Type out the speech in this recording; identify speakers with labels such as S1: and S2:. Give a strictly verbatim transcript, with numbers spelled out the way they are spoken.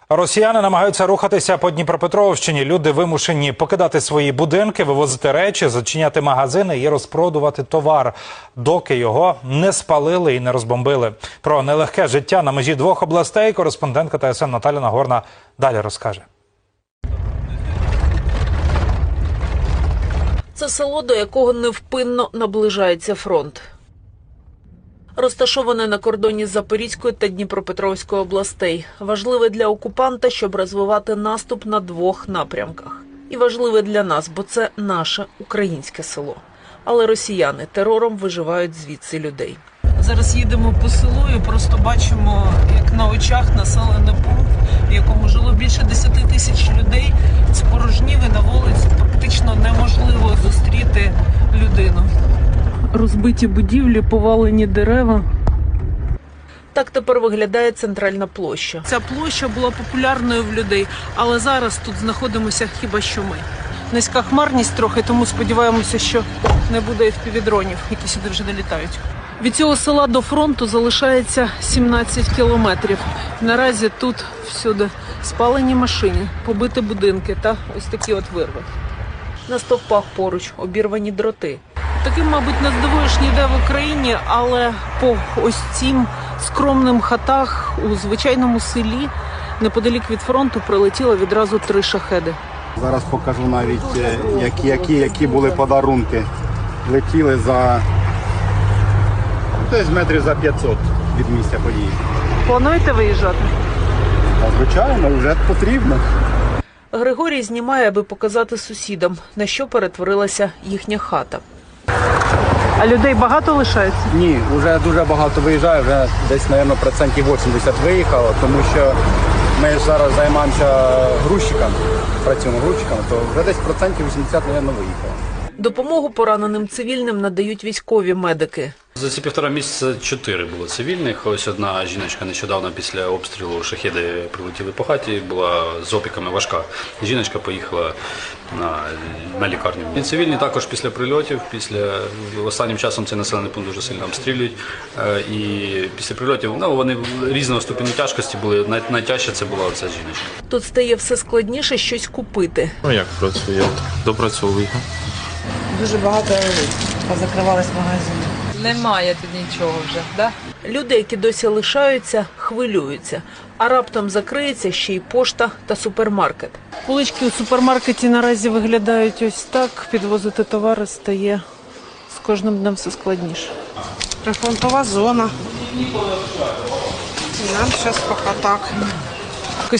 S1: Росіяни намагаються рухатися по Дніпропетровщині. Люди вимушені покидати свої будинки, вивозити речі, зачиняти магазини і розпродувати товар, доки його не спалили і не розбомбили. Про нелегке життя на межі двох областей кореспондентка Т С Н Наталя Нагорна далі розкаже.
S2: Це село, до якого невпинно наближається фронт. Розташоване на кордоні з Запорізькою та Дніпропетровською областей. Важливе для окупанта, щоб розвивати наступ на двох напрямках. І важливе для нас, бо це наше українське село. Але росіяни терором виживають звідси людей. Зараз їдемо по селу і просто бачимо, як на очах населений пункт, в якому жило більше десяти тисяч людей, спорожнів і на вулиці практично неможливо зустріти людину. Розбиті будівлі, повалені дерева. Так тепер виглядає центральна площа. Ця площа була популярною в людей, але зараз тут знаходимося хіба що ми. Низька хмарність трохи, тому сподіваємося, що не буде еф пі ві-дронів, які сюди вже долітають. Від цього села до фронту залишається сімнадцять кілометрів. Наразі тут всюди спалені машини, побиті будинки та ось такі от вирви. На стовпах поруч обірвані дроти. Таким, мабуть, не здивуєш ніде в Україні, але по ось цим скромним хатах у звичайному селі неподалік від фронту прилетіло відразу три шахеди.
S3: Зараз покажу навіть, які, які, які були подарунки. Летіли за десь метрів за п'ятсот від місця події.
S2: Плануєте виїжджати?
S3: А, звичайно, вже потрібно.
S2: Григорій знімає, аби показати сусідам, на що перетворилася їхня хата. А людей багато лишається?
S3: Ні, вже дуже багато виїжджає, вже десь, мабуть, процентів вісімдесят виїхало, тому що ми зараз займаємося грузчиками, працюємо грузчиками, то вже десь процентів вісімдесят, мабуть, виїхало.
S2: Допомогу пораненим цивільним надають військові медики.
S4: За ці півтора місяця чотири було цивільних. Ось одна жіночка нещодавно після обстрілу шахеди прилетіли по хаті, була з опіками важка. Жіночка поїхала на, на лікарню. І цивільні також після прильотів, після останнім часом цей населений пункт дуже сильно обстрілюють. І після прильотів, ну, вони різного ступеню тяжкості були. Най, найтяжче це була ця жіночка.
S2: Тут стає все складніше щось купити.
S5: Ну як працює? Допрацьовую.
S6: Дуже багато позакривались магазини.
S7: Немає тут нічого вже, да?
S2: Люди, які досі лишаються, хвилюються. А раптом закриється ще й пошта та супермаркет. Полички у супермаркеті наразі виглядають ось так. Підвозити товари стає з кожним днем все складніше.
S6: Прифронтова зона. Нам зараз поки так.